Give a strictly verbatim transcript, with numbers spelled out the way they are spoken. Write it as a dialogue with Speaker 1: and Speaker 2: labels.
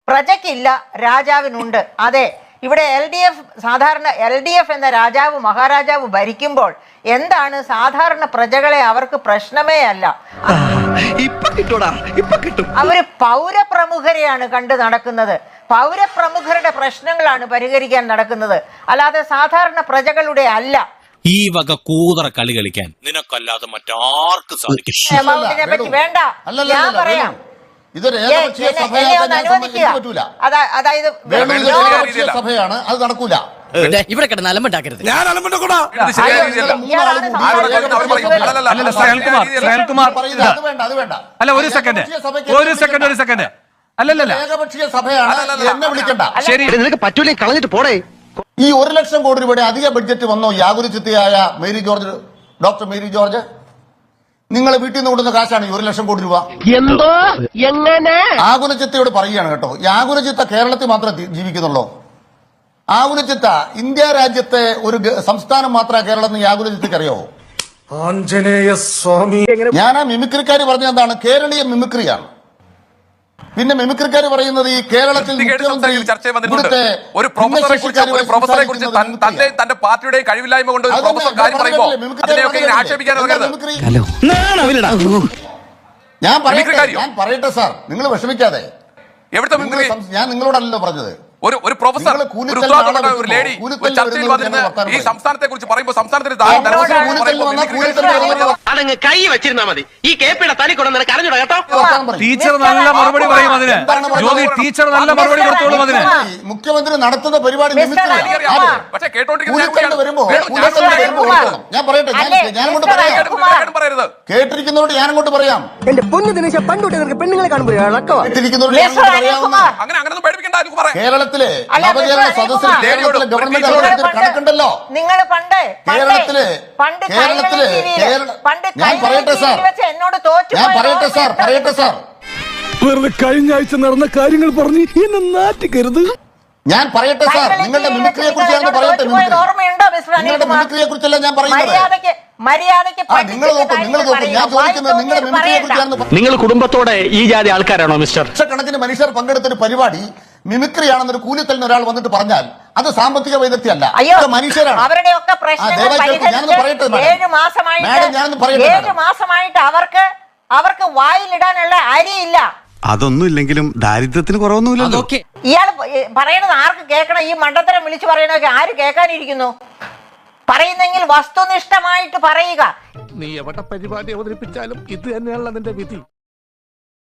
Speaker 1: പ്രജയ്ക്കില്ല, രാജാവിനുണ്ട്. അതെ, ഇവിടെ എൽ ഡി എഫ് സാധാരണ എൽ ഡി എഫ് എന്ന രാജാവ് മഹാരാജാവ് ഭരിക്കുമ്പോൾ എന്താണ് സാധാരണ പ്രജകളെ അവർക്ക് പ്രശ്നമേ അല്ല. അവര് പൗരപ്രമുഖരെയാണ് കണ്ടു നടക്കുന്നത്. പൗരപ്രമുഖരുടെ പ്രശ്നങ്ങളാണ് പരിഹരിക്കാൻ നടക്കുന്നത്, അല്ലാതെ സാധാരണ പ്രജകളുടെ അല്ല.
Speaker 2: ഈ വക കൂതറ കളി കളിക്കാൻ നിനക്കല്ലാതെ മറ്റാർക്ക് സാധിക്കും?
Speaker 1: പറ്റി വേണ്ട, ഞാൻ പറയാം.
Speaker 3: സഭയാണ്, അത് നടക്കൂല.
Speaker 4: ഇവിടെ കിടന്ന് അലമ്പുണ്ടാക്കരുത്.
Speaker 5: ഞാൻ അലമ്പുണ്ടാക്കൂടാ. അല്ല, ഒരു സെക്കൻഡ് ഒരു സെക്കൻഡ് ഒരു സെക്കൻഡ് അല്ലല്ല,
Speaker 3: ഏകപക്ഷീയ സഭയാണ്, എന്നെ വിളിക്കണ്ട.
Speaker 4: ശരി, നിനക്ക് പറ്റൂലേ കളഞ്ഞിട്ട് പോടേ.
Speaker 3: ഈ ഒരു ലക്ഷം കോടി രൂപയുടെ അധിക ബഡ്ജറ്റ് വന്നോ യാഗുലചിത്തയായ മേരി ജോർജ്, ഡോക്ടർ മേരി ജോർജ്? നിങ്ങൾ വീട്ടിൽ നിന്ന് കൊണ്ടുവന്ന കാശാണ് ഈ ഒരു ലക്ഷം കോടി രൂപ.
Speaker 4: എന്തോ എങ്ങനെ?
Speaker 3: ആകുലചിത്തയോട് പറയുകയാണ് കേട്ടോ, ഈ ആകുലചിത്ത കേരളത്തിൽ മാത്രമേ ജീവിക്കുന്നുള്ളൂ. ആകുലചിത്ത ഇന്ത്യ രാജ്യത്തെ ഒരു സംസ്ഥാനം മാത്രമേ കേരളം ഈ ആകുലചിത്തക്ക് അറിയാവോ?
Speaker 5: ആഞ്ജനേയ സ്വാമി.
Speaker 3: ഞാൻ ആ മിമിക്രിക്കാർ പറഞ്ഞ എന്താണ്, കേരളീയ മിമിക്രിയാണ്. പിന്നെ മിമിക്രിക്കാർ പറയുന്നത് ഈ കേരളത്തിൽ
Speaker 6: ഒരു പ്രൊഫസറെ കുറിച്ച് ഒരു പ്രൊഫസറെ കുറിച്ച് തന്റെ തന്റെ പാർട്ടിയുടെയും കഴിവില്ലായ്മ കൊണ്ട് ഒരു പ്രൊഫസർ കാര്യം പറയുമ്പോൾ അതിനെയൊക്കെ ഇങ്ങനെ ആക്ഷേപിക്കാൻ
Speaker 3: ഞാൻ പറയട്ടെ ഞാൻ പറയട്ടെ സാർ, നിങ്ങൾ വിഷമിക്കാതെ.
Speaker 6: എവിടുത്തെ മിമിക്രി?
Speaker 3: ഞാൻ നിങ്ങളോടല്ലോ പറഞ്ഞത്.
Speaker 6: ഒരു ഒരു പ്രൊഫസർ ഒരു ലേഡി ഒരു ചർച്ചയിൽ വന്നിരുന്ന് ഈ സംസ്ഥാനത്തെ കുറിച്ച് പറയുമ്പോൾ സംസ്ഥാനത്തിന്
Speaker 4: അതങ്ങ് കൈ വെച്ചിരുന്നാ മതി. ഈ കേപ്പിയുടെ തലി കൊണ്ട് നിനക്ക് അറിഞ്ഞൂടാ കേട്ടോ.
Speaker 5: ടീച്ചർ നല്ല മറുപടി പറയും അതിന്. ജ്യോതി ടീച്ചർ നല്ല മറുപടി കൊടുത്തോളും അതിന്.
Speaker 3: മുഖ്യമന്ത്രി നടത്തുന്ന പരിപാടി
Speaker 6: പക്ഷേ കേട്ടോണ്ടിരിക്കുന്ന
Speaker 3: ഞാൻ പറയട്ടെ, ഞാൻ അങ്ങോട്ട് പറയാം.
Speaker 6: പറയരുത്.
Speaker 3: കേട്ടിരിക്കുന്നവരോട് ഞാൻ അങ്ങോട്ട് പറയാം.
Speaker 4: എന്റെ പൊന്നു ദിനേശ, പണ്ടുകൂട്ടി പെണ്ണുങ്ങളെ കാണുമ്പോൾ
Speaker 3: കേട്ടിരിക്കുന്നവരോട്
Speaker 6: അങ്ങനെ അങ്ങനെ പേടിപ്പിക്കണ്ട.
Speaker 3: കേരളത്തിലെ നവകേരള സദസ്സിൽ കേരളത്തിലെ ഗവൺമെന്റ് കണക്കുണ്ടല്ലോ.
Speaker 1: നിങ്ങൾ പണ്ട്
Speaker 3: കേരളത്തിലെ കേരളത്തിലെ ഞാൻ പറയട്ടെ സാർ
Speaker 1: എന്നോട് തോറ്റു
Speaker 3: ഞാൻ പറയട്ടെ സാർ പറയട്ടെ സാർ
Speaker 5: വെറുതെ കഴിഞ്ഞ ആഴ്ച നടന്ന കാര്യങ്ങൾ പറഞ്ഞ് എന്നെ നാറ്റിക്കരുത്.
Speaker 3: ഞാൻ പറയട്ടെ സാർ, നിങ്ങളുടെ മിമിക്രിയെ കുറിച്ച് ഞാൻ പറയട്ടെ. നിങ്ങളുടെ മിമിക്രിയെ കുറിച്ചല്ല ഞാൻ പറയുന്നത്. നിങ്ങൾ നോക്കൂ നിങ്ങൾ നോക്കൂ ഞാൻ ചോദിക്കുന്നത് നിങ്ങളുടെ മിമിക്രിയെ കുറിച്ചാണ്.
Speaker 4: നിങ്ങൾ കുടുംബത്തോടെ ഈ ജാതി ആൾക്കാരാണോ മിസ്റ്റർ?
Speaker 3: ലക്ഷക്കണക്കിന് മനുഷ്യർ പങ്കെടുത്തൊരു പരിപാടി മിമിക്രിയാണെന്നൊരു കൂലിത്തലിന് ഒരാൾ വന്നിട്ട് പറഞ്ഞാൽ അത് സാമ്പത്തിക വൈദഗ്ധ്യമല്ല, മനുഷ്യരാണ്.
Speaker 1: അവരുടെയൊക്കെ ഏഴു മാസമായിട്ട് അവർക്ക് അവർക്ക് വായിലിടാനുള്ള അരിയില്ല.
Speaker 7: അതൊന്നും ഇല്ലെങ്കിലും ദാരിദ്ര്യത്തിന് കുറവൊന്നുമില്ലല്ലോ.
Speaker 1: ഇയാൾ പറയണത് ആർക്ക് കേൾക്കണം? ഈ മണ്ടത്തരം വിളിച്ചു പറയണൊക്കെ ആര് കേൾക്കാനിരിക്കുന്നു? പറയുന്നെങ്കിൽ വസ്തുനിഷ്ഠമായിട്ട് പറയുക.
Speaker 5: നീ എവിടെ പരിപാടി അവതരിപ്പിച്ചാലും ഇത് തന്നെയാണല്ലോ നിന്റെ വിധി.